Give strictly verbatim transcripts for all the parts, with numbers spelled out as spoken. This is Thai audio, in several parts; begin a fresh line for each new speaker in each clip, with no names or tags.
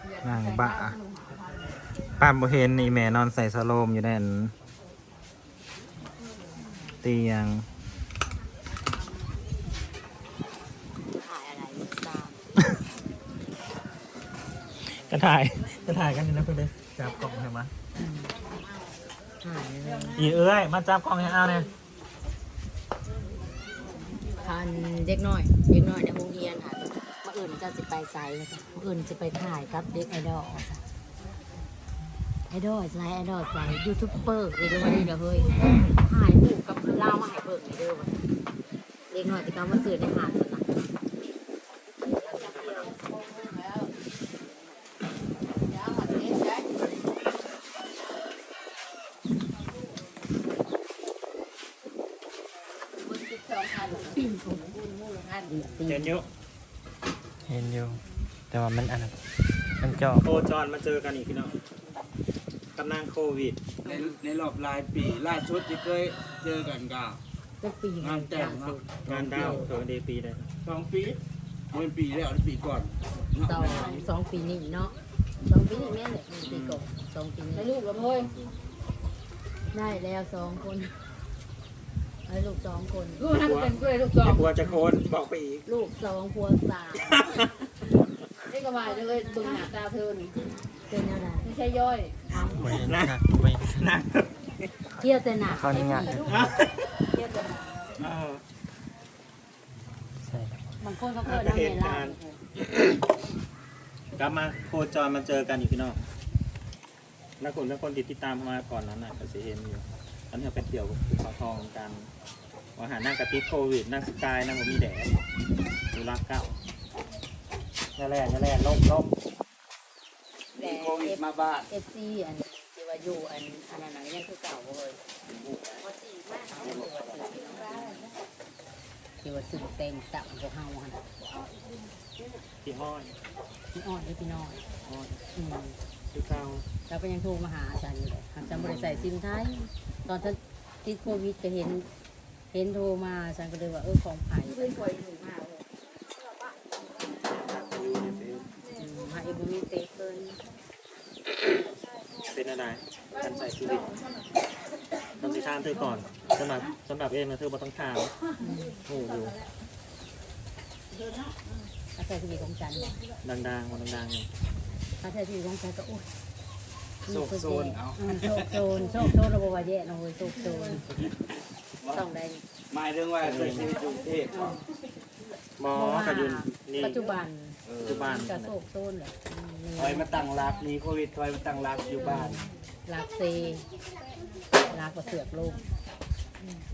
นางบ้าป้าบ่เห็นนี่แม่นอนใส่สโลมอยู่แน่นเตียง
ถ่ายอะไรไม่ทราบ
ก็ถ่ายก็ถ่ายกันอยู่นะเพื่อนเลยจับกล่องให้มา
ถ่ายเลย
อีเอ้ยมาจับกล่องให้เอาเนี่ย
คันเด็กน้อยเด็กน้อยในโรงเรียนค่ะเมื่ออื่นเจ้าจะไปไซส์ค่ะเมื่ออื่นจะไปถ่ายกับเด็กไอดอลค่ะไอดอลไซส์ไอดอลไซส์ยูทูบเบอร์เดี๋ยวมาดีเดี๋ยวเฮ้ยถ่ายรูปกับเล่ามาให้เบิกในเด้อวะเด็กน้อยที่เขามาซื้อในหาดนะ
เห็นอยู่เห็นอยู่แต่ว่ามันอันนั้นมันจอโคจรมาเจอกันอีกพี่น้องกำลังโควิด
ในในรอบหลายปีล่าสุดที่เคยเจอกันก็
เป็นปี
งานแต่งเนาะ
งานดาวเออเดปีเลย
สองปีเป็นปีแล้วปีก่อนเนาะ
สองสองปีนี้เนาะสองปีนี้แม่เลยปีก่อนสองปีนี้
ให้ลูกกับเฮ้ย
ได้แล้วสองคนให้ลูกสองคน
ลูกนั่งเป็นกล้วยลูกสอง
กลัวจะโคนบอกไปอีก
ลูกสองพัวสาม
นี่ก็มาเลยบึงหน้าตาเธอนี่
เป็นอะไร
ไม่ใช่ย่อย
นะนะ
เที่ยวแต่หนัก
เขานี่ไง
เทียบกัน
เออใช่
บางคนเขาเคย
เห
ทำเม
ตุ
ล่า
การณ์กลับมาโคจรมาเจอกันอีกพี่น้องแล้วคนแล้วคนติดติดตามมาก่อนนั้นน่ะก็สิเห็นอยู่ตอนนี้เป็นเดี่ยวกับภูเขาทองกันว่าหานั่งกระติดโควิดนั่งสกายนั่งบ่มีแดดดูรักเก้าอย่าแล่อย่าแล่ล้มล้ม
แต่
โควิดมาบ้าน
เอฟซีอันที่ว่าอยู่อันอันนั้นน่ะยังคือเก่าเลยที่ว่าสื่อเต็มตับพวกเฮาหัน
ที่ห้อย
พี่อ่อนหรือพี่น้อย
ห้อย
อืม
คือเก้า
เราก็ยังโทรมาหาอาจารย์อยู่เลยอาจารย์บริใส่ซิมไทยตอนฉันติดโควิดก็เห็นเห็นโทรมาอาจารย์ก็เลยว่าเออของไผ่
เพื่อนป่วยหนูมากเลย
หาเอ็มมีเตเกิน
เป็นอะไรการใส่ชีวิตต้องสิทานเธอก่อนสำหรับสำหรับเองนะเธอบ่ต้องถามโอ้อยู่
อาจารย์ที่มีของจันทร์
ดังๆมันดังๆอยู่
อาจารย์ที่มีของจันทร์ก็โอ้ย
โซกโซนเอา
อืมโชคโซนโชคโซนระบบว่าแย่เนาะเว้ยโชคโซนต้องได้
หมายถึงว่าเคยชีวิตกรุงเทพเนาะ
หมอกับยุนนี่
ปัจจุบัน
ปัจจุบัน
ก็โชคโซนเลยอืม
คอยมาตั้งรักมีโควิดคอยมาตั้งรักอยู่บ้าน
รักเซรักกว่าเสือกโลกอืม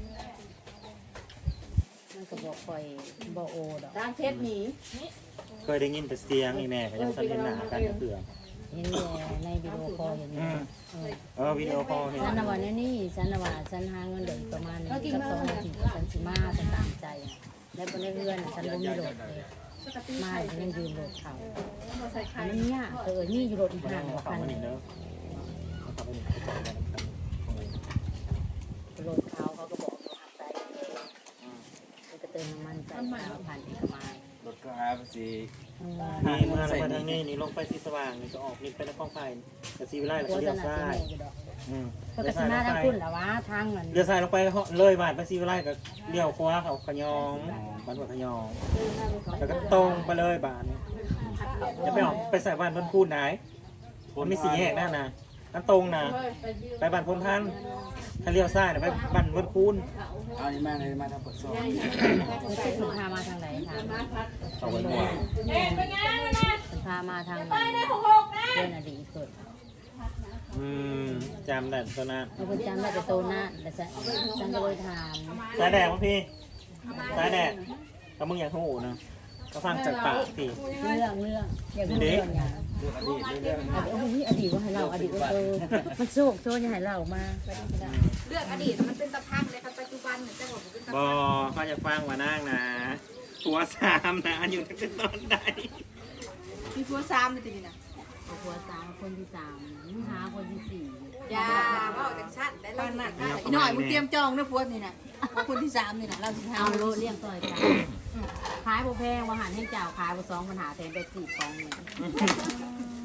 มันก็บอกคอยบอกโอดอก
ด้านเทปหนี
เคยได้ยินแต่เสียงนี่แม่ก็ยังทันเห็นหน้ากันเถื่อ
เห็นแต่ในวิดีโอคอลเห็นอยู่เออ
เออวิดีโอคอลเห็น
ฉันนะวันนี้นี่ฉันนะว่าฉันหาเงินเดือนประมาณนี้สักสองนาทีฉันสิมาฉันตามใจอะแล้วก็ในเรือนฉันก็มีโหลดเลยมาฉันยังยืมโหลดเขา
เราใส่ไข่
อันนี้เนี่ยเออนี่อยู่โหลดอีก
มัน
ห่าง
เอา
กว่า
เขา
พัน
มาหนิเนอะเอาเขามาหนิเขาบอกกันกัน
โหลดเขาเขาก็บอกว่าหักใจมันก็เติมน้ำมันใจเอาพันอีกประมาณ
รถก็หาภาษี
อืม
นี่เมื่อเรามาทางนี้นี่ลงไปสีสว่างนี่ก็ออกนี่ไปนครไผ่แต่สีวิไลแล้ว
โฆ
ก็
ษ
เลี้ยว
ณา
ซ้า
เสีย
ย
แม่อยู่ดอก
อืม
เพื่อกสิมาทางคุณเหรอวะทางมัน
เลี้ยวซ้ายลงไปเลยบาดไปสีวิไลก็เลี้ยวขวาเขาขยองบ้านหัวขยองแล้วก็ตรงไปเลยบาดนี่จะไปออกไปใส่บ้านบนพูนไหนมันมีสีแยกนั่นนะนั่นตรงนะไปบ้านพลท่านถ้าเลี้ยวซ้ายเนี่ยไปบ้านบนพูน
เอานี่มาเลยมาทำปดซอย
มันจะถูกพามาทางไหนทาง
ต่อไปหัว
มันพามาทางไหนเรื่องอดีตเกิด
อืมจำแต่ตัวนั้น
เราก็จำได้แต่โตหน้าแต่ฉันฉันก็เลยถาม
สายแดดมั้งพี่สายแดดก็มึงอยากโหนะก็ฟังจากปากพี่
เรื่องเรื่องอยากรู้เรื่องอย่าง
เรื่องอดีตเรื่อง
อดีตอดีตว่าให้เราอดีตว่าเออมันโชคโชคอย่าให้เรามา
เรื่องอดีตมันเป็นตะพังเลยครับปัจจุบันเหมือนจะบอกเป็นตะ
บอเขาจะฟังว่านั่งนะหัวสามนะอยู่ตั้งแต่ตอนใด
มีพัวซ้ำเลยทีนี้นะ
เอาผัวสามคนที่สามหาคนที่สี่
ยาว่าจากชั้นได้แล้วนั่นอีหน่อยมึงเตรียมจองนะพัวนี่นะพัวคนที่สามนี่นะเราสิท
เอาโลดเลี้ยงต่อยกันขายโบแพงว่าหันให้เจ้าขายโบสองปัญหาแทนไปสี่สองหนึ่ง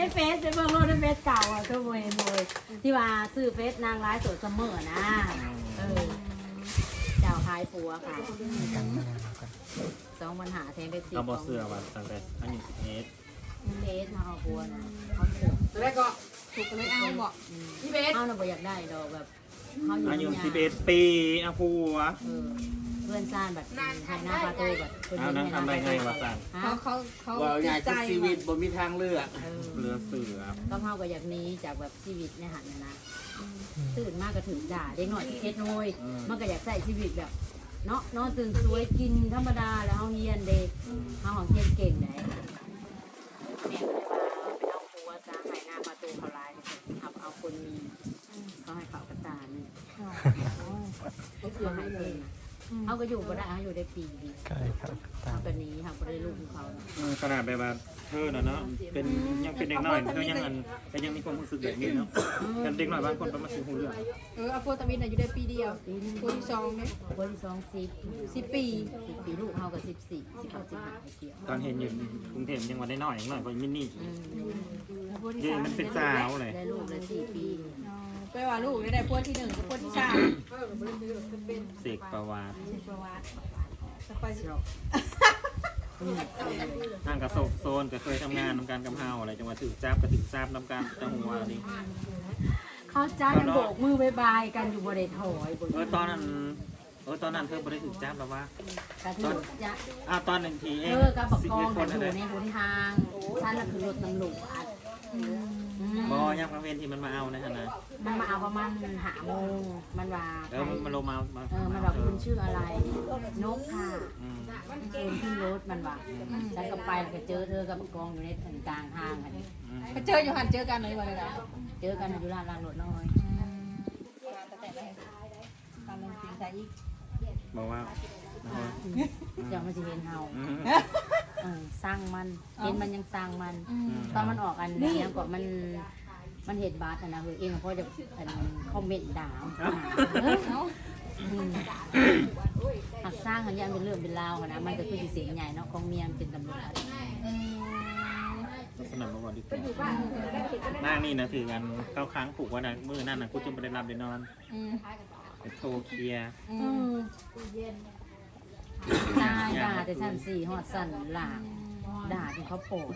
ในเฟซในเบื้องโลกในเฟซเก่าอ่ะก็โวยโวยที่ว่าซื้อเฟซนางร้ายสดเสมอนะเออเจ้าขายปัวค่ะสองปัญหาแทนได้สี่
เอาบอเสือว่าตั้งแต่อายุสิบเอ็ด
เฟซมาเอาปัวนะเขาถูก
ตอนแรกก็ถูกกันเลยเอาบอกพี่เบส
เขาน่ะบ่อยากได้ดอกแบบเขาอยู่
อายุ
ใน
สิบเอ็ดปีอาผัว
เออเพื่อนซ่านแบบไทยหน้าปลาโตแบบคน
เอานั่งทำได้ไงวะสั่น
ฮะ
เขาเขาเขา
ว่าง่าย
ใจ
คือชีวิตบ่มีทางเลือก
เออ
เรือเสือ
ก็เฮาก็อยากหนี้จากแบบชีวิตในหันนะนะตื่นมากก็ถึงด่าเด็กหน่อยเอ็ดโอยมันก็อยากใส่ชีวิตแบบเนาะนอนตื่นสวยกินธรรมดาแล้วเฮาเฮียนเด็กเฮาของเฮียนเก่งไหนแม่ก็เลยว่าไปเอาผัวซะให้หน้าประตูเขาลายเอาเอาคนมีเขาให้เขากระตานี่ก็คือให้เพิ่นนะเขาก็อยู่ก็ได้เขาอยู่ได้ปีดี
ใช่ครับตา
เขา
ม
แบบนี้เขาก็ได้ลูกของเขานะ
เออขนาดแบบว่าเธอน่ะเนาะเป็นยังเป็นเด็กน้อยเธอยังอันแต่ยังมีความรู้สึกแบบนี้เนาะแต่เด็กน้อยบางคนก็มาซื้อหูเรื่อง
เอออโฟตามินอายุได้ปีเดียวคนที่สองเนี่ย
คนที่สองสิบ
สิบปี
สิบปีลูกเขากับสิบสี่สิบหกสิบห้าเกี่ยว
ตอนเห็นอยู่กรุงเทพยังว่าได้น้อยอย่างน้อยกว่ามินนี่
อืม
คนที่
เย่
สาม
มันเป็นสาวเลย
ได้ลูกได้สี่ปี
ไปว่าลูกได้ได้พวกที่หนึ่งกับพวกที่สาม
เสกประวัติ
ประวัติจะไป
เนาะอืม
ทางกระโซกโซนก็เคยทำงานทำการกำเฮาอะไรจังหวัดถือจับก็ถือจับนำการจังหวัดนี้
เขาจ้ากันโบกมือบายบายกันอยู่บริเวณถอยบน
เออตอนนั้นเออตอนนั้นเธอบริถือจับแล้วว่า
กระถูกจะ
อ้าวตอนหนึ่งทีเอ
เอง อกับปก
สิบ
ครอ
เอ็
ง
ดค
กัน นอ
อะไร
ยู่ในหนทางท่านละคือรถตำรวจ
บอยังประเวนที่มันมาเอานะฮะนะ
มันมาเอาประมาณหาโมงมันว่า
แล้วมันลงมามา
เออมันบอกคุณชื่ออะไรนกค่ะ
อืม
เชิญขึ้นรถมันว่าฉันก็ไปแล้วก็เจอเธอกับกองอยู่ในกลางทางอันนี้
อืม
ไปเจออยู่หันเจอกันเลยวันเลยนะ
เจอกันอยู่ร้านรางรถน้อย
ตามลงสิงใจอีก
บอกว่านะฮะ
เดี๋ยวมันจะเห็นเฮา
อืม
เออสร้างมันเห็นมันยังสร้างมัน
อืม
ตอนมันออกอันนี้ยังก่อนมันมันเห็นบาสอะนะเฮ้ยเองเพราะจะอันคอมเมนต์ด่าหักสร้างหันยันเป็นเรื่องเป็นราวนะมันก็คือเสียงใหญ่เนาะของเมียเป็นตำรวจ
สนับมาก่อนดีกว่าหน้านี่นะถือกันเข้าค้างผูกว่านะมือนั่นนะกูจึงไปได้รับได้นอน
อืม
ไปโทรเคลียร์
อื
อื
ม
มตายด่าแต่ชั้นสี่หอดสั่นหลางด่าจนเขาโปรด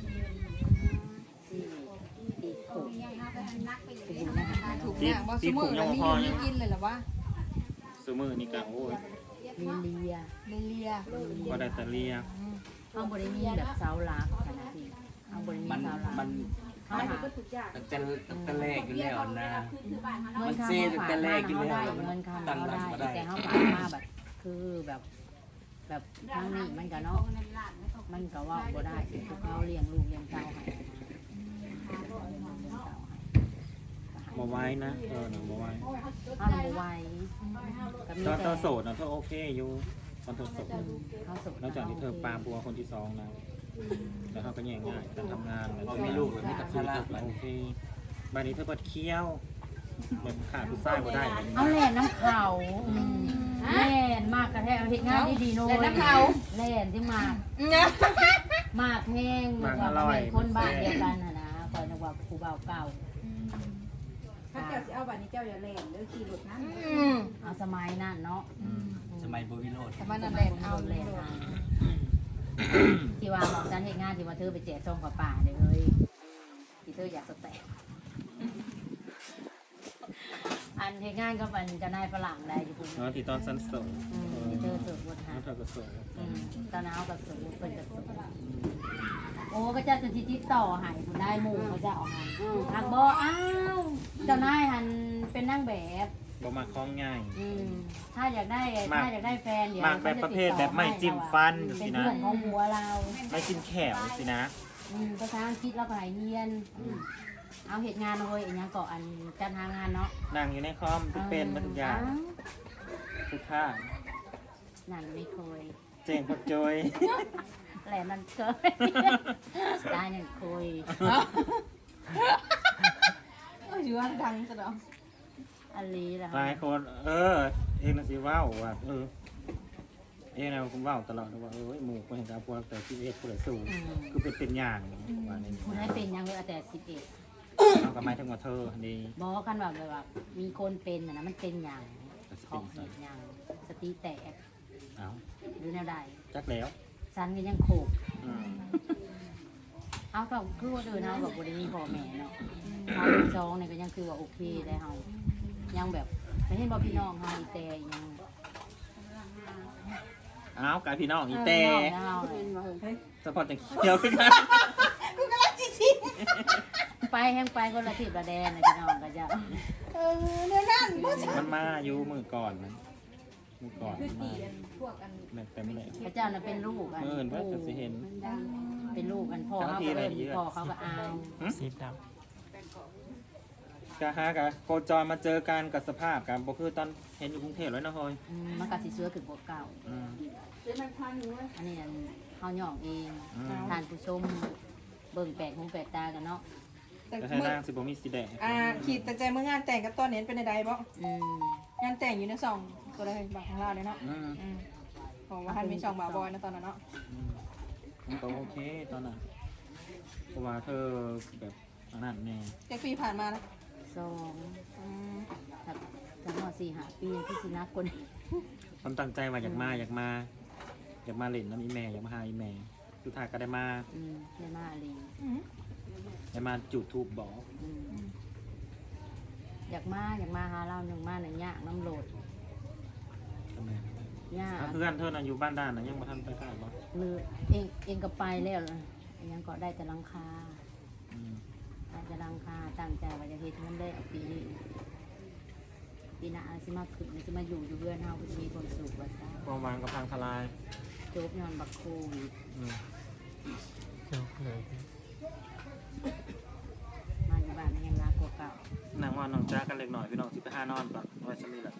สี่ตีโขกไปดูนะคะ
ถูกเนี่ยว่าสมมือแล้วมีอยู่มีกินเลยเหรอวะ
ซูมือนี่กะโอ้ย
มีเลีย
เลีย
ก็ได้แต่เลีย
เขาบริมีแบบเสาหลักขนาดที่เขาบริมี
มัน
เสาหลัก
มัน
เขาหา
ตั้งแต่ตั้งแต่แรกอยู่แล้วนะ
เงินค่าเขาฝากมาเขาได้เงินค่าเขาได้แต่เขาฝากมาแบบคือแบบแบบทางนี้มันก็เนาะมันก็ว่าบ่ได้คือเขาเลี้ยงลูกเลี้ยงเต้าให้
มาไว้นะเออหนูมาไว้
เขาหนูไว้ก็มี
ตอน
แต่
เธอโสดนะเธอโอเคอยู่ตอนเธอโสด
เขาสด
นอกจากที่เธอปาบัวคนที่สองนะแล้วเขาก็แย่งง่ายการทำงานแล้ว
มีลูกแล้วมีแต่
ชี
ภา
วิต
ระ
เธอโอเคบ้านนี้เธอเปิดเคี้ยวแบบขาดผู้ชายบ่ได้
เอาแหล่น้ำเขาแล่นมากกระแทกเอาเห็ดงานดีๆโน้ยแล่นที่มาก
เนี่ย
มากแห้งนึกว่าเป็นคนบ้านเดียวกันนะนะคอยนึกว่าครูเบาเก่า
ถ้าเจ้าจะเอาบัตรนี้เจ้าอย่าเล่นหรือขี่รถนั้น
อืม
เอาสมัยนั่นเนาะ
สมัยบวิโรด
สมัยนั้นแหละเอา
เล่นที่ว่าหมอกจันเหตุงานที่ว่าเธอไปแจกซองกับป่าเด้อเฮ้ยที่เธออยากสแตกอันเหตุงานก็เป็นจะนายฝรั่งได้อยู่คุณ
เนาะที่ตอนสั้นโสด
ที่เธอสุดบนหา
แล้วเธอก็โสด
ตอนนั้นเอากับสูเป็นกับสูโอ้ก็จะจะติดต่อหายคุณได้หมู่เขาจะออกหันหักบออ้าวเจ้านายหันเป็นนั่งแบบ
บ่มาคล้องง่าย
อืมถ้าอยากได้
มาก
ถ้าอยากได้แฟนเดี๋ยว
มากแบบประเภทแบบไม่จิ้มฟัน
เป็น
สินะ
เพื่อนของหัวเรา
ไม่กินแขวสินะ
อืมภาษาอังกฤษเราก็หายเงียนอืมเอาเหตุงานเลยอย่างเกาะอันการทางงานเนาะ
นั่งอยู่ในคอมเป็นมาทุกอย่างทุกท่า
นั่นไม่เคย
เจงพักจอย
แหลมมันเคยได้นั่นเคย
เอออยู่ว่าดังซะดอก
อันนี้แหละ
หลายคน เออ เองนะสิว้าวว่าเออเอ้ยนะผมว่าตลอดว่าเอ้ยหมู่คนเห็นการพวกแต่ที่เอ็ดคนสูงคือเป็นเป็นอย่างว่านี่
คุณให้เป็นยังเลยแต่สิบเอ็ด
เอากระไม้ทั้งหมดเธอนี่
บอกกันว่าแบบว่ามีคนเป็นนะนะมันเป็นอย่าง
ก็สิ
ขอ
เป็
ง
น
เหตุอย่างสติแตก
เอา
หรือแนวใด
จักแล้ว
ฉันก็ยังโขก
อืม
เอาก็คือว่าเดินเอาแบบบริมีพ่อแม่เนาะเอาจองเนี่ยก็ยังคือว่าโอเคได้เฮายังแบบไม่เห็นบอกพี่น้องเฮาอีแต่ยัง
เอากายพี่น้องอีแต่
เฮา
สปอร์ตจะเขียวขึ้นกัน
ไปแห้งไปคนละทิศละแดนนะพี่น้องก็จะ
เออเดี๋ยวนั่นบ่สิ
มันมาอยู่มือก่อนมันมือก่อน
คือ
มา
ตีกันพวกกัน
แม่เต็มเลย
พระเจ้าน่ะเป็นลูกอัน
เออเพิ่นก็สิเห็น
เป็นลูกอันพ่อเขาก็เอิ้นพ่อเขาก็อาย
สีดำกะฮะกะโคจรมาเจอกันกับสภาพกันบ่คือตอนเห็นอยู่กรุงเทพแล้วนะเฮ้ย
อืมมันก็สิเสื้อขึ้นกว่าเก่า
อืม
เดี๋ยวมันพันอยู่เว้ย
อันนี้อันเฮาย่องเอง
อืม
ทานผู้ชมเบิ่งแปลกหูแปลกตากันเนาะ
แต่
ก็ให้
มื้อน
างสิบ่มีสีแดง
อ่าขีดแต่ใจเมื่องานแต่งกับตอนนี้เป็นใดๆบ่
อืม
งานแต่งอยู่ในซองตัวใดบอกของเราเลยเนาะ
อืม
อืมผมว่าท่านมีช่องบาบอยนะตอนนั้นเนาะ
อืมมันก็โอเคตอนนั้นเพราะว่าเธอแบบอันนั้นแน่
แจ็คปีผ่านมาแล้ว
สอง
อืม
ครับทั้งหมดสี่ห้าปีที่สินักคน
ความตั้งใจว่าอยากมาอยากมาอยากมาเล่นน้ำอีแม่อยากมาหาอีแม่สุดท้ายก็ได้มา
อืมเรียนมาลี
อืม
ได้มาจุดทูบบอก
อืมอยากมาอยากมาหาเราหนึ่งมาหนึ่งยากน้ำโหลดยาก
ถ้าเพื่อนเธอน่ะอยู่บ้านด้านนะยังมาทันไปกล้าบ่
หรือเองเองก็ไปแล้วล่ะยังก็ได้แต่หลังคา
อืม
ได้แต่หลังคาตั้งใจว่าจะเฮ็ดให้มันได้เอาปีนี้ปีหน้าสิมาขึ้นสิมาอยู่อยู่เพื่อนเฮาก็สิมีความสุขว่าซะ
ความหวางกับพังทลาย
จบย้อนบักโควิด
อืม
มาอยู่บ้านมันยังรักกว่าเก่า
นางว่านน้องจ้ากันเล็กหน่อยพี่น้องสิไปห้านอนก่อนไว้สมีแหละ